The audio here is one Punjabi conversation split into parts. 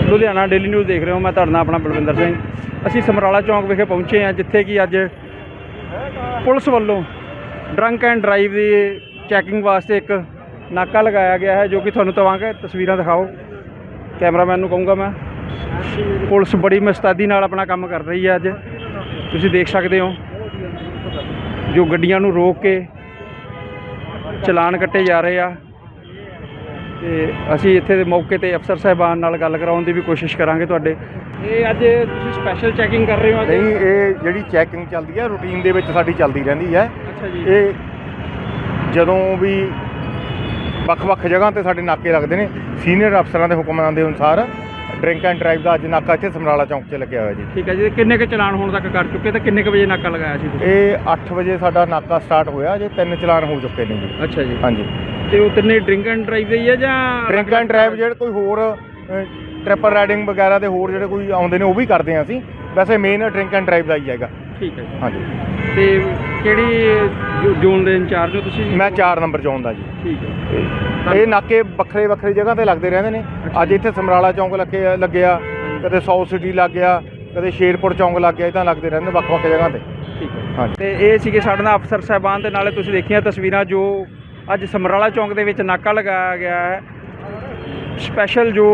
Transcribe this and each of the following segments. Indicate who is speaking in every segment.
Speaker 1: ਲੁਧਿਆਣਾ ਡੇਲੀ ਨਿਊਜ਼ ਦੇਖ ਰਹੇ ਹੋ। ਮੈਂ ਤੁਹਾਡਾ ਨਾਲ ਆਪਣਾ ਬਲਵਿੰਦਰ ਸਿੰਘ। ਅਸੀਂ ਸਮਰਾਲਾ ਚੌਂਕ ਵਿਖੇ ਪਹੁੰਚੇ ਹਾਂ, ਜਿੱਥੇ ਕਿ ਅੱਜ ਪੁਲਿਸ ਵੱਲੋਂ ਡਰੰਕ ਐਂਡ ਡਰਾਈਵ ਦੀ ਚੈਕਿੰਗ ਵਾਸਤੇ ਇੱਕ ਨਾਕਾ ਲਗਾਇਆ ਗਿਆ ਹੈ, ਜੋ ਕਿ ਤੁਹਾਨੂੰ ਤਵਾਂਗੇ ਤਸਵੀਰਾਂ ਦਿਖਾਓ। ਕੈਮਰਾਮੈਨ ਨੂੰ ਕਹੂੰਗਾ ਮੈਂ। ਪੁਲਿਸ ਬੜੀ ਮੁਸਤੈਦੀ ਨਾਲ ਆਪਣਾ ਕੰਮ ਕਰ ਰਹੀ ਹੈ। ਅੱਜ ਤੁਸੀਂ ਦੇਖ ਸਕਦੇ ਹੋ ਜੋ ਗੱਡੀਆਂ ਨੂੰ ਰੋਕ ਕੇ ਚਲਾਨ ਕੱਟੇ ਜਾ ਰਹੇ ਆ, ਤੇ ਅਸੀਂ ਇੱਥੇ ਦੇ ਮੌਕੇ ਤੇ ਅਫਸਰ ਸਾਹਿਬਾਨ ਨਾਲ ਗੱਲ ਕਰਾਉਣ ਦੀ ਵੀ ਕੋਸ਼ਿਸ਼ ਕਰਾਂਗੇ ਤੁਹਾਡੇ। ਇਹ ਅੱਜ ਤੁਸੀਂ ਸਪੈਸ਼ਲ ਚੈਕਿੰਗ ਕਰ ਰਹੇ ਹੋ?
Speaker 2: ਨਹੀਂ, ਇਹ ਜਿਹੜੀ ਚੈਕਿੰਗ ਚੱਲਦੀ ਹੈ ਰੂਟੀਨ ਦੇ ਵਿੱਚ ਸਾਡੀ ਚੱਲਦੀ ਰਹਿੰਦੀ ਹੈ।
Speaker 1: ਅੱਛਾ ਜੀ।
Speaker 2: ਇਹ ਜਦੋਂ ਵੀ ਵੱਖ-ਵੱਖ ਜਗ੍ਹਾ ਤੇ ਸਾਡੇ ਨਾਕੇ ਲੱਗਦੇ ਨੇ, ਸੀਨੀਅਰ ਅਫਸਰਾਂ ਦੇ ਹੁਕਮਾਂ ਦੇ ਅਨੁਸਾਰ ਡਰਿੰਕ ਐਂਡ ਡਰਾਈਵ ਦਾ ਅੱਜ ਨਾਕਾ ਇੱਥੇ ਸਮਰਾਲਾ ਚੌਂਕ 'ਚ ਲੱਗਿਆ ਹੋਇਆ ਜੀ।
Speaker 1: ਠੀਕ ਹੈ ਜੀ। ਕਿੰਨੇ ਕੁ ਚਲਾਨ ਹੁਣ ਤੱਕ ਕਰ ਚੁੱਕੇ ਤੇ ਕਿੰਨੇ ਕੁ ਵਜੇ ਨਾਕਾ ਲਗਾਇਆ ਸੀ ਤੁਸੀਂ?
Speaker 2: ਇਹ 8 ਵਜੇ ਸਾਡਾ ਨਾਕਾ ਸਟਾਰਟ ਹੋਇਆ ਜੇ 3 ਚਲਾਨ ਹੋ ਚੁੱਕੇ ਨੇ ਜੀ।
Speaker 1: ਅੱਛਾ ਜੀ।
Speaker 2: ਹਾਂਜੀ।
Speaker 1: ਤੇ ਉਹ ਤਿੰਨੇ ਡਰਿੰਕ ਐਂਡ ਡਰਾਈਵ ਦੇ ਹੀ ਹੈ ਜਾਂ
Speaker 2: ਡਰਿੰਕ ਐਂਡ ਡਰਾਈਵ ਜਿਹੜੇ ਕੋਈ ਹੋਰ ਟ੍ਰਿਪਲ ਰਾਈਡਿੰਗ ਵਗੈਰਾ ਦੇ ਹੋਰ ਜਿਹੜੇ ਕੋਈ ਆਉਂਦੇ ਨੇ ਉਹ ਵੀ ਕਰਦੇ ਹਾਂ ਅਸੀਂ। ਵੈਸੇ ਮੇਨ ਡਰਿੰਕ ਐਂਡ ਡਰਾਈਵ ਦਾ ਹੀ ਹੈਗਾ।
Speaker 1: ਠੀਕ ਹੈ ਜੀ।
Speaker 2: ਹਾਂਜੀ।
Speaker 1: ਤੇ ਕਿਹੜੀ ਜ਼ੋਨ ਦੇ ਇੰਚਾਰਜ ਹੋ ਤੁਸੀਂ?
Speaker 2: ਮੈਂ 4 ਨੰਬਰ ਜ਼ੋਨ ਦਾ ਜੀ।
Speaker 1: ਠੀਕ ਹੈ।
Speaker 2: ਇਹ ਨਾਕੇ ਵੱਖਰੇ ਜਗ੍ਹਾ ਤੇ ਲੱਗਦੇ ਰਹਿੰਦੇ ਨੇ। ਅੱਜ ਇੱਥੇ ਸਮਰਾਲਾ ਚੌਂਕ ਲੱਗਿਆ, ਕਦੇ 100 ਸਿਟੀ ਲੱਗ ਗਿਆ, ਕਦੇ ਸ਼ੇਰਪੁਰ ਚੌਂਕ ਲੱਗ ਗਿਆ, ਇੱਦਾਂ ਲੱਗਦੇ ਰਹਿੰਦੇ ਵੱਖ-ਵੱਖ ਜਗ੍ਹਾ ਤੇ।
Speaker 1: ਠੀਕ ਹੈ।
Speaker 2: ਹਾਂਜੀ।
Speaker 1: ਤੇ ਇਹ ਸੀਗੇ ਸਾਡੇ ਨਾਲ ਅਫਸਰ ਸਾਹਿਬਾਨ ਦੇ ਨਾਲੇ ਤੁਸੀਂ ਦੇਖੀਆਂ ਤਸਵੀਰਾਂ ਜੋ ਅੱਜ ਸਮਰਾਲਾ ਚੌਂਕ ਦੇ ਵਿੱਚ ਨਾਕਾ ਲਗਾਇਆ ਗਿਆ ਹੈ। ਸਪੈਸ਼ਲ ਜੋ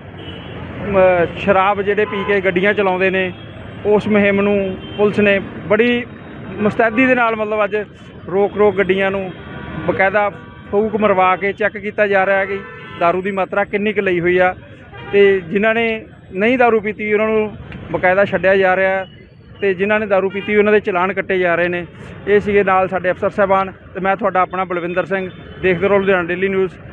Speaker 1: ਸ਼ਰਾਬ ਜਿਹੜੇ ਪੀ ਕੇ ਗੱਡੀਆਂ ਚਲਾਉਂਦੇ ਨੇ, ਉਸ ਮੁਹਿੰਮ ਨੂੰ ਪੁਲਿਸ ਨੇ ਬੜੀ ਮੁਸਤੈਦੀ ਦੇ ਨਾਲ ਮਤਲਬ ਅੱਜ ਰੋਕ ਗੱਡੀਆਂ ਨੂੰ ਬਕਾਇਦਾ ਫੂਕ ਮਰਵਾ ਕੇ ਚੈੱਕ ਕੀਤਾ ਜਾ ਰਿਹਾ ਹੈ ਕਿ ਦਾਰੂ ਦੀ ਮਾਤਰਾ ਕਿੰਨੀ ਕੁ ਲਈ ਹੋਈ ਆ, ਤੇ ਜਿਨ੍ਹਾਂ ਨੇ ਨਹੀਂ ਦਾਰੂ ਪੀਤੀ ਉਹਨਾਂ ਨੂੰ ਬਕਾਇਦਾ ਛੱਡਿਆ ਜਾ ਰਿਹਾ, ਤੇ ਜਿਨ੍ਹਾਂ ਨੇ ਦਾਰੂ ਪੀਤੀ ਉਹਨਾਂ ਦੇ ਚਲਾਨ ਕੱਟੇ ਜਾ ਰਹੇ ਨੇ। ਇਹ ਸੀਗੇ ਨਾਲ ਸਾਡੇ ਅਫਸਰ ਸਾਹਿਬਾਨ, ਤੇ ਮੈਂ ਤੁਹਾਡਾ ਆਪਣਾ ਬਲਵਿੰਦਰ ਸਿੰਘ। ਦੇਖਦੇ ਰਹੋ ਲੁਧਿਆਣਾ ਡੇਲੀ ਨਿਊਜ਼।